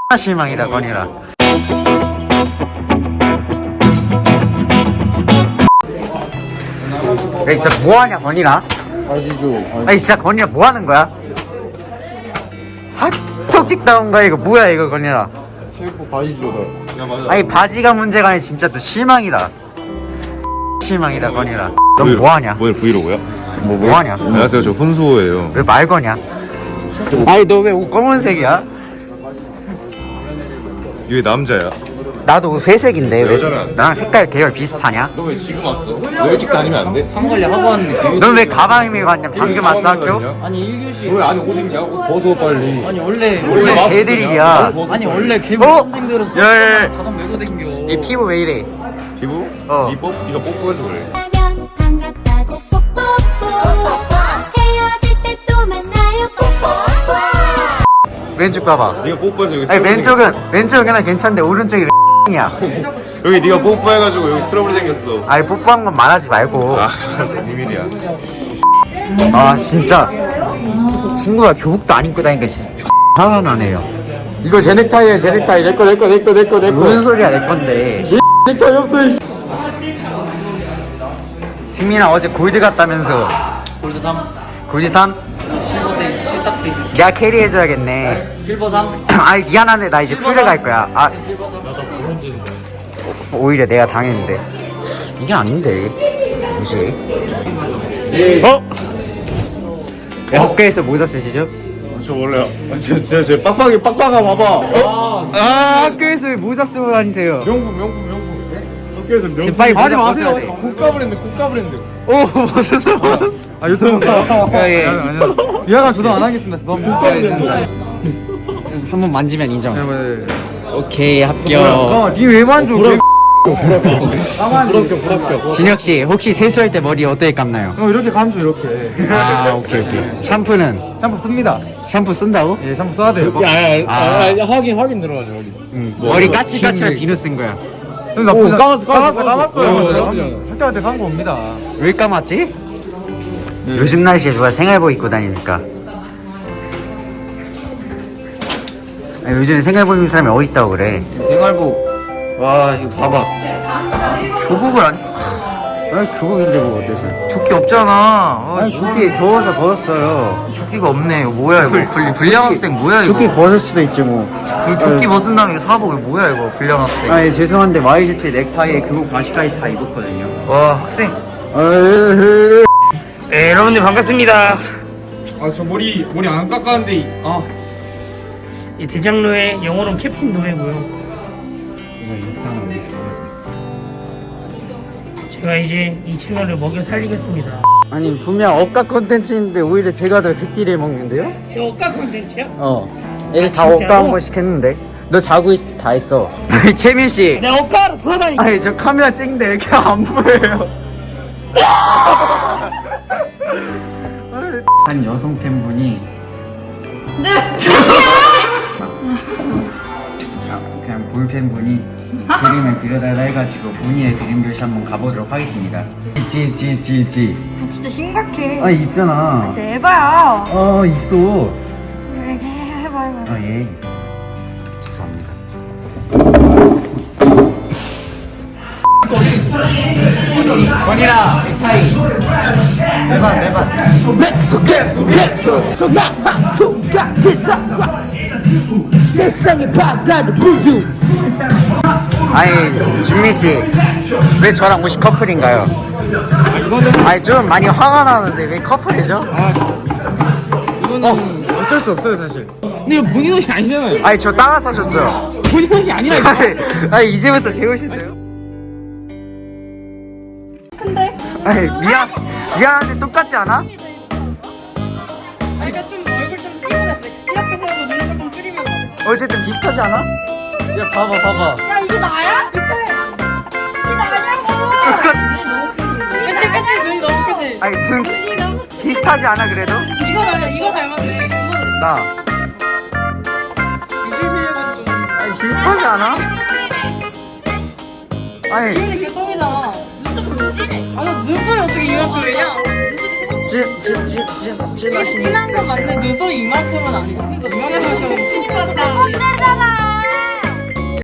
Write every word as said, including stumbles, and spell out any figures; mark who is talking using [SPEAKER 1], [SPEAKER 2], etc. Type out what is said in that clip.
[SPEAKER 1] 실망이다 건이라. 야 진짜 뭐하냐 건이라?
[SPEAKER 2] 바지 줘.
[SPEAKER 1] 아니 진짜 건이라 뭐하는 거야? 아 톡찍 나온 거야 이거 뭐야 이거 건이라.
[SPEAKER 2] 셰프 바지 줘. 야 맞아.
[SPEAKER 1] 아니 바지가 문제가 아니라 진짜 또 실망이다. 실망이다 건이라. 넌
[SPEAKER 3] 브이로그.
[SPEAKER 1] 뭐하냐?
[SPEAKER 3] 뭐야 브이로그야?
[SPEAKER 1] 뭐 뭐하냐?
[SPEAKER 3] 안녕하세요, 저 훈수호예요.
[SPEAKER 1] 왜 말 거냐? 아니 너 왜 옷 검은색이야?
[SPEAKER 3] 이게 남자야.
[SPEAKER 1] 나도 옷 회색인데 왜
[SPEAKER 3] 여자는 안 돼.
[SPEAKER 1] 나랑 색깔 계열 비슷하냐?
[SPEAKER 3] 너 왜 지금 왔어? 너 일찍 다니면 안 돼?
[SPEAKER 2] 상관리 하고 왔는데.
[SPEAKER 1] 넌 왜 가방 메고 왔냐? 방금 왔어 학교?
[SPEAKER 2] 아니 일 교시.
[SPEAKER 3] 왜 안에 옷 입냐? 옷 벗어 빨리.
[SPEAKER 2] 아니 원래
[SPEAKER 1] 원래
[SPEAKER 2] 원래
[SPEAKER 1] 개들이야.
[SPEAKER 2] 아니 원래 개
[SPEAKER 1] 어?
[SPEAKER 2] 선생들었어.
[SPEAKER 1] 야, 야, 야.
[SPEAKER 2] 가방 메고 댕겨.
[SPEAKER 1] 네 피부 왜 이래?
[SPEAKER 3] 피부?
[SPEAKER 1] 어.
[SPEAKER 3] 이 뽀? 네가 뽀뽀해서 그래.
[SPEAKER 4] 반갑다고 뽀뽀뽀 헤어질 때 또 만나요 뽀뽀뽀
[SPEAKER 1] 왼쪽 봐봐.
[SPEAKER 3] 네가 뽀뽀해서 여기
[SPEAKER 1] 아니
[SPEAKER 3] 트러블
[SPEAKER 1] 왼쪽은 왼쪽은 그냥 괜찮은데 오른쪽이 이야.
[SPEAKER 3] 생겼어. 여기 네가 뽀뽀해가지고 여기 트러블 생겼어.
[SPEAKER 1] 아니 뽀뽀한 건 말하지 말고.
[SPEAKER 3] 아 알았어, 비밀이야.
[SPEAKER 1] 아 진짜 친구가 교복도 안 입고 다니니까 진짜 화가 나네요.
[SPEAKER 2] 이거 제 넥타이야 제 넥타이. 내꺼 내꺼 내꺼 내꺼 내꺼.
[SPEAKER 1] 무슨 소리야 내 건데.
[SPEAKER 2] 넥타이 없어. 이
[SPEAKER 1] 승민아 어제 골드 갔다면서.
[SPEAKER 2] 골드 삼.
[SPEAKER 1] 골드 삼?
[SPEAKER 2] 실버 대 실탁 대.
[SPEAKER 1] 내가 캐리해줘야겠네.
[SPEAKER 2] 실버 삼.
[SPEAKER 1] 아이 미안한데 나 이제 풀에 갈 거야. 아
[SPEAKER 2] 실버 삼.
[SPEAKER 1] 오히려 내가 당했는데 이게 아닌데 무시.
[SPEAKER 3] 어?
[SPEAKER 1] 야, 학교에서 모자 쓰시죠?
[SPEAKER 3] 저 원래 저저 빡빡이 빡빡아 봐봐. 어?
[SPEAKER 1] 아 학교에서 왜 모자 쓰고 다니세요?
[SPEAKER 3] 명품 명품 명품. 학교에서 명품.
[SPEAKER 1] 빨리
[SPEAKER 3] 하지
[SPEAKER 1] 모자
[SPEAKER 3] 마세요.
[SPEAKER 1] 벗어야 돼.
[SPEAKER 3] 국가 브랜드 국가 브랜드.
[SPEAKER 1] 오 벗었어 벗었어.
[SPEAKER 3] 아 유튜브인가?
[SPEAKER 1] 예, 예.
[SPEAKER 3] 미안한 조정 안 하겠습니다. 너무 국가 브랜드.
[SPEAKER 1] 한번 만지면 인정.
[SPEAKER 3] 네.
[SPEAKER 1] 오케이 합격.
[SPEAKER 3] 잠깐만, 니왜 만져?
[SPEAKER 2] 불합격 불합격.
[SPEAKER 1] 진혁 씨 혹시 세수할 때 머리 어떻게 감나요?
[SPEAKER 3] 어, 이렇게 감죠 이렇게.
[SPEAKER 1] 아 오케이 오케이. 샴푸는
[SPEAKER 3] 샴푸 씁니다.
[SPEAKER 1] 샴푸 쓴다고?
[SPEAKER 3] 예, 샴푸 써야 돼요.
[SPEAKER 2] 야야
[SPEAKER 1] 아.
[SPEAKER 2] 야, 확인 확인 들어가죠 확인.
[SPEAKER 1] 머리 까칠까칠한 비누 쓴 거야.
[SPEAKER 3] 나쁘지 않-
[SPEAKER 2] 까맣- 까맣-
[SPEAKER 3] 까맣어요.
[SPEAKER 2] 까맣어요.
[SPEAKER 3] 까맣어요.
[SPEAKER 2] 나쁘지 않아요.
[SPEAKER 3] 학교 때 간 겁니다.
[SPEAKER 1] 왜 감았지? 요즘 날씨에 누가 생활복 입고 다니니까. 아니, 요즘 생활복 입는 사람이 어디 있다고 그래?
[SPEAKER 2] 생활복. 와 이거 봐봐.
[SPEAKER 1] 교복을 안. 아니 교복인데 뭐 어때서?
[SPEAKER 2] 조끼 없잖아. 아,
[SPEAKER 1] 아니 조끼 더워서 벗었어요.
[SPEAKER 2] 조끼가 없네. 이거 뭐야 이거? 불, 불량 학생 뭐야 이거?
[SPEAKER 1] 조끼 벗을 수도 있지 뭐.
[SPEAKER 2] 불, 조끼 벗은 다음에 이거 사복 이거 뭐야 이거? 불량 학생.
[SPEAKER 1] 아니 죄송한데 와이셔츠 넥타이에 교복 바지까지 다 입었거든요.
[SPEAKER 2] 와 학생.
[SPEAKER 5] 네, 여러분들 반갑습니다.
[SPEAKER 6] 아 저 머리 머리 안 깎았는데 아
[SPEAKER 5] 이 대장로의 영어로 캡틴 노래고요.
[SPEAKER 1] 이거 인스타나 우리 죽어서.
[SPEAKER 5] 제가 이제 이 채널을 먹여 살리겠습니다.
[SPEAKER 1] 아니 분명 억가 컨텐츠인데 오히려 제가 더 극딜을 먹는데요?
[SPEAKER 5] 제 억까 콘텐츠야?
[SPEAKER 1] 어. 애들 다
[SPEAKER 5] 아, 진짜로?
[SPEAKER 1] 억가 한 번씩 했는데. 너 자고 있을 때 다 했어. 아니 채민 씨.
[SPEAKER 5] 내가 억까로 돌아다니고.
[SPEAKER 1] 아니 저 카메라 찍는데 이렇게 안 보여요. 한 여성 팬분이 네. 그냥 볼 팬분이 그림을 그려달라 해가지고 본인의 그림 교실 한번 가보도록 하겠습니다. 찌찌찌찌.
[SPEAKER 4] 아 진짜 심각해
[SPEAKER 1] 아 있잖아.
[SPEAKER 4] 이제 해봐요
[SPEAKER 1] 어 있어.
[SPEAKER 4] 그래 해봐 해봐
[SPEAKER 1] 아 예. 죄송합니다. 건이라 넥타이. 내반 내반.
[SPEAKER 7] 세상의 바다를 부유.
[SPEAKER 1] 아니 준미 씨, 왜 저랑 옷이 커플인가요? 아니 좀 많이 화가 나는데 왜 커플이죠?
[SPEAKER 2] 이거는 어. 쩔 수 없어요 사실. 근데 이거 본인 옷이 아니잖아요.
[SPEAKER 1] 아니 저 따라 사줬죠.
[SPEAKER 2] 본인 옷이 아니라
[SPEAKER 1] 아니, 아니 이제부터 제 옷인데요?
[SPEAKER 4] 근데
[SPEAKER 1] 아니 미안 미안한데 똑같지 않아?
[SPEAKER 4] 그러니까 좀 얼굴 좀 찌그렸어 이렇게 세우고 눈을 조금 줄이면 맞아
[SPEAKER 1] 어쨌든 비슷하지 않아?
[SPEAKER 3] 야 봐봐 봐봐.
[SPEAKER 4] 야 이게 나야? 이게 이게 나냐고 그치 그치 눈이 너무 크지?
[SPEAKER 1] 아니 등
[SPEAKER 4] 눈이 너무
[SPEAKER 1] 비슷하지 않아 그래도?
[SPEAKER 4] 이거 닮았 이거 닮았네
[SPEAKER 1] 나 아니 비슷하지 않아? 아니
[SPEAKER 4] 이게 개똥이잖아 눈썹 진해 아나 눈썹이 어떻게 이만큼이냐? 눈썹이 생각보다
[SPEAKER 1] 찐찐찐찐
[SPEAKER 4] 진한 건 맞는데 눈썹이 이만큼은 아니잖아 이만큼은 좀